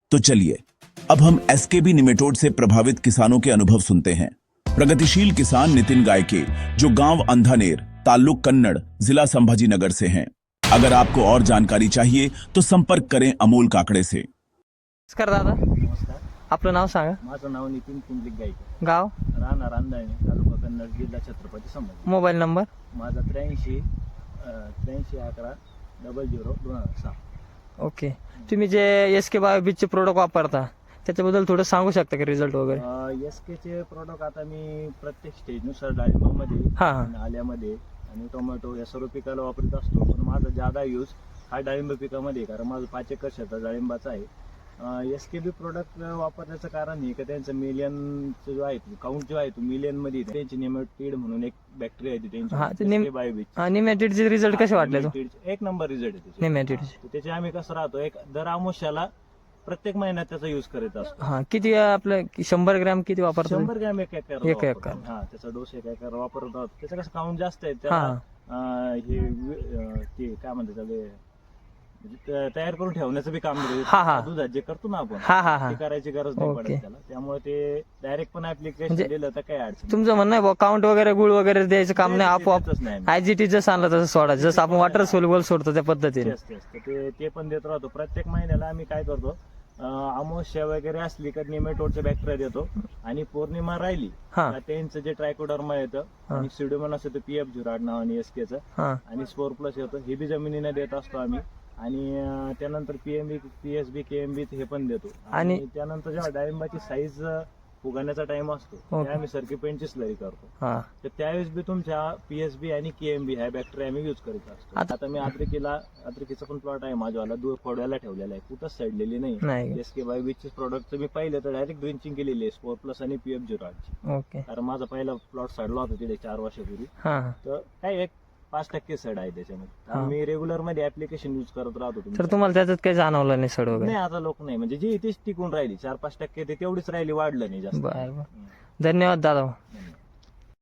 तो चलिए अब हम एसकेबी निमेटोड से प्रभावित किसानों के अनुभव सुनते हैं। प्रगतिशील किसान नितिन गायके, जो गांव अंधानेर, ताल्लुक कन्नड़, जिला संभाजी नगर से हैं। अगर आपको और जानकारी चाहिए तो संपर्क करें अमोल काकडे से। नमस्कार दादा, नमस्कार, आपलं नाव सांगा. माझं नाव नितीन कुंडलिक गायके, गाव, राहणार अंधाणे, तालुका कन्नड, जिल्हा छत्रपती संभाजी. Mobile number. माझा 83 11 00 2006. ओके. तुम्ही जे SK बायोबीजचे प्रोडक्ट वापरता त्याच्याबद्दल थोडं सांगू शकता का, रिझल्ट वगैरे? एसकेचे प्रोडक्ट आता मी प्रत्येक स्टेजनुसार डाळिंबामध्ये हा. आणि आल्यामध्ये आणि टोमॅटो या सर्व पिकाला वापरत असतो. पण माझा ज्यादा यूज हा डाळिंब पिकामध्ये आहे, कारण माझं 5 एकर शेतात डाळिंबाचा आहे. एसकेबी प्रोडक्ट वापरण्याचं कारण हे की त्यांचं मिलियनचं जो आहे काउंट जो आहे तो मिलियन मध्ये आहे. त्यांची नेमॅटिड म्हणून एक बॅक्टेरिया आहे हा, ते त्यांची बायोबीज. निमॅटिडचे रिझल्ट कसे वाटले? एक नंबर रिझल्ट आहे त्याचे. निमॅटिडचे. त्याचे आम्ही कसं राहतो, एक दर आमुष्याला प्रत्येक महिन्यात त्याचा युज करत असतो. हा, किती आपलं 100 ग्रॅम किती वापरतो? 100 ग्रॅम एक एकर एक एकर. हा, त्याचा डोस एक एकर वापरत आहोत. त्याचं कसं काउंट जास्त आहे हा. त्याला ते काय म्हणतात त्याला, म्हणजे तयार करून ठेवण्याचं बी काम हा, हा. दुधात जे करतो ना आपण हा हा हा. ते करायची गरज नाही ओके. पडत त्याला. त्यामुळे ते डायरेक्ट पण ऍप्लिकेशन म्हणजे दिलं तर काही अडचण तुमचं म्हणणं आहे काउंट वगैरे गुळ वगैरे द्यायचं काम नाही, आपोआप देतच नाही आम्ही. आयजीटी जसं आणलं तसं सोडा, जसं आपण वॉटर सोल्युबल सोडतो त्या पद्धतीने. ते पण देत राहतो. प्रत्येक महिन्याला आम्ही काय करतो, अमावस्या वगैरे असली तर निमेटोडचे बॅक्टेरिया देतो, आणि पौर्णिमा राहिली हा. तर त्यांचं जे ट्रायकोडर्मा येतं आणि सिडोमन असतं ते PF0 नावाने एसकेचं, हा. आणि स्पोर प्लस येतं, हे बी जमिनीने देत असतो आम्ही. आणि त्यानंतर PMB PSB KMB हे पण देतो. आणि त्यानंतर जेव्हा डाळिंबाची साईज फुगण्याचा टाइम असतो त्या आम्ही सर्की पेंटची स्लरी करतो. हा. तर त्यावेळेस बी तुमच्या PSB आणि KMB ह्या बॅक्टेरिया आम्ही यूज करीत असतो. आता मी अद्रकीचा पण प्लॉट आहे माझ्यावाला, खोडव्याला ठेवलेला आहे, कुठंच सडलेली नाही. SK बायोबीजचे प्रोडक्ट मी पाहिलं तर डायरेक्ट ड्रिंचिंग केलेली आहे स्पोर प्लस आणि PF0 ची. ओके. कारण माझा पहिला प्लॉट सडला होता तिथे 4 वर्षापूर्वी. हा. तर काय एक 5% सड आहे त्याच्यामध्ये. मी रेग्युलर मध्ये ऍप्लिकेशन युज करत राहतो. तर तुम्हाला त्याच्यात काही जाणवलं नाही सड वगैरे? नाही, आता लोक नाही, म्हणजे जी इथेच टिकून राहिली 4-5% ते तेवढीच राहिली, वाढलं नाही जास्त. बरं. धन्यवाद दादा. धन्यवाद.